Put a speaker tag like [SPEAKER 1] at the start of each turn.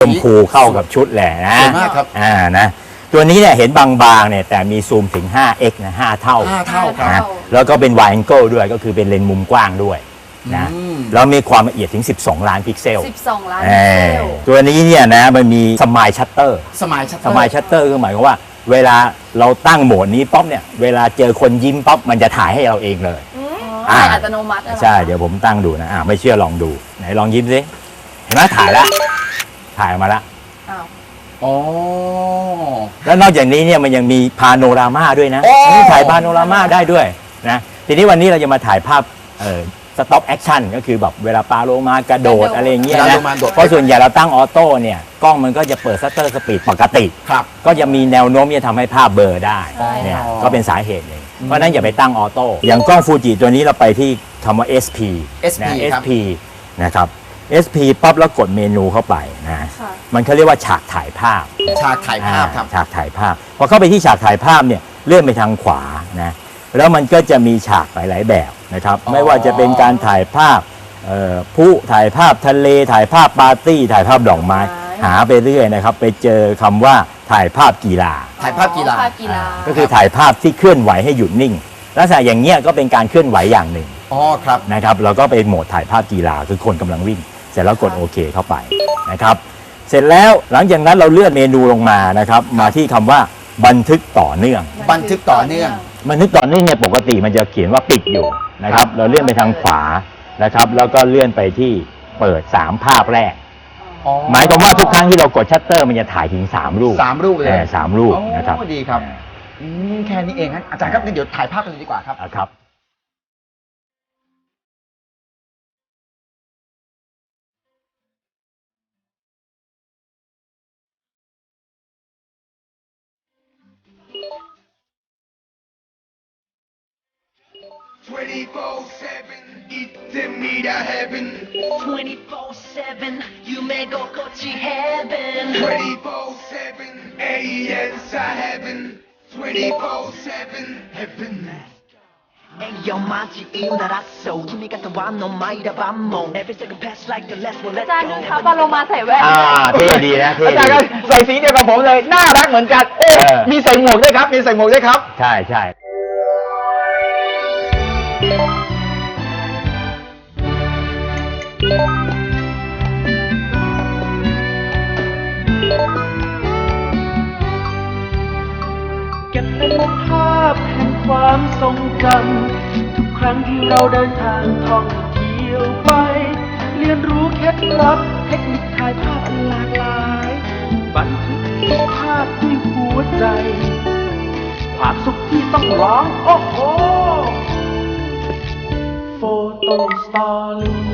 [SPEAKER 1] ชมพูเข้ากับชุดแหละนะ
[SPEAKER 2] ครับ
[SPEAKER 1] นะตัวนี้เนี่ยเห็นบางๆเนี่ยแต่มีซูมถึง 5x นะ5 เท่า
[SPEAKER 2] ครับ
[SPEAKER 1] แล้วก็เป็น wide angle ด้วยก็คือเป็นเลนส์มุมกว้างด้วยนะแล้วมีความละเอียดถึง12ล้านพิกเซล
[SPEAKER 3] 12ล้านพิกเซล
[SPEAKER 1] ตัวนี้เนี่ยนะมันมีสมายชัตเตอร์
[SPEAKER 2] สมายชัตเตอร์
[SPEAKER 1] คือหมายความว่าเวลาเราตั้งโหมดนี้ป๊อปเนี่ยเวลาเจอคนยิ้มป๊อปมันจะถ่ายให้เราเองเลย
[SPEAKER 3] อัตโนมัติ
[SPEAKER 1] ใช่เดี๋ยวผมตั้งดูนะไม่เชื่อลองดูไหนลองยิ้มสิเห็นไหมถ่ายมาแล้ว
[SPEAKER 2] อ๋อ
[SPEAKER 1] แล้วนอกจากนี้เนี่ยมันยังมีพาโนรามาด้วยนะถ่ายพาโนรามาได้ด้วยนะทีนี้วันนี้เราจะมาถ่ายภาพสต็อปแอคชั่นก็คือแบบเวลาปลาโลมากระโดดอะไรเงี้ยนะเพราะส่วนใหญ่เราตั้งออโต้เนี่ยกล้องมันก็จะเปิดซัตเตอร์สปีดปกติก็จะมีแนวโน้มที่ทำให้ภาพเบลอได้เนี่ยก็เป็นสาเหตุหนึ่งเพราะนั้นอย่าไปตั้งออโต้อย่างกล้องฟูจิตัวนี้เราไปที่คำว่า SP นะ SP นะครับ SP ปั๊บแล้วกดเมนูเข้าไปนะมันเขาเรียกว่าฉากถ่ายภาพ
[SPEAKER 2] ครับฉากถ่ายภาพ
[SPEAKER 1] พอเข้าไปที่ฉากถ่ายภาพเนี่ยเลื่อนไปทางขวานะแล้วมันก็จะมีฉากหลายๆแบบนะครับไม่ว่าจะเป็นการถ่ายภาพผู้ถ่ายภาพทะเลถ่ายภาพปาร์ตี้ถ่ายภาพดอกไม้หาไปเรื่อยนะครับไปเจอคำว่าถ่ายภาพกีฬาก็คือถ่ายภาพที่เคลื่อนไหวให้หยุดนิ่งลักษณะอย่างเงี้ยก็เป็นการเคลื่อนไหวอย่างหนึ่ง
[SPEAKER 2] ครับ
[SPEAKER 1] นะครับเราก็ไปโหมดถ่ายภาพกีฬาคือคนกำลังวิ่งเสร็จแล้วกดโอเคเข้าไปนะครับเสร็จแล้วหลังจากนั้นเราเลื่อนเมนูลงมานะครับมาที่คำว่าบันทึกต่อเนื่องเนี่ยปกติมันจะเขียนว่าปิดอยู่นะครับเราเลื่อนไปทางขวานะครับแล้วก็เลื่อนไปที่เปิด3ภาพแรกหมายความว่าทุกครั้งที่เรากดชัตเตอร์มันจะถ่ายถึง3 รูป
[SPEAKER 2] เลย
[SPEAKER 1] 3 รูปนะครับ
[SPEAKER 2] ดีครับแค่นี้เองครับอาจารย์ครับเดี๋ยวถ่ายภาพกันดีกว่า
[SPEAKER 1] ครับ
[SPEAKER 4] 24/7 夢心地 heaven 24/7 aliens are heaven 24/7 heaven Yo 마치 이유나 라쏘 키미가 더 완노 마이라 밤모 Every second pass like the last one let's go
[SPEAKER 3] อาจารย์ดูครับปลาโลมาใส่แว่น
[SPEAKER 1] เท่ดีนะ
[SPEAKER 2] อาจารย์ครับใส่สีเดียวกับผมเลยน่ารักเหมือนกันมีใส่หมวกด้วยครับ
[SPEAKER 1] ใช่
[SPEAKER 5] เก็บเป็นภาพแห่งความทรงจำทุกครั้งที่เราเดินทางท่องเที่ยวไปเรียนรู้เคล็ดลับเทคนิคถ่ายภาพอันหลากหลายบันทึกภาพด้วยหัวใจความสุขที่ต้องร้องโอ้โหโฟโต้สตอรี่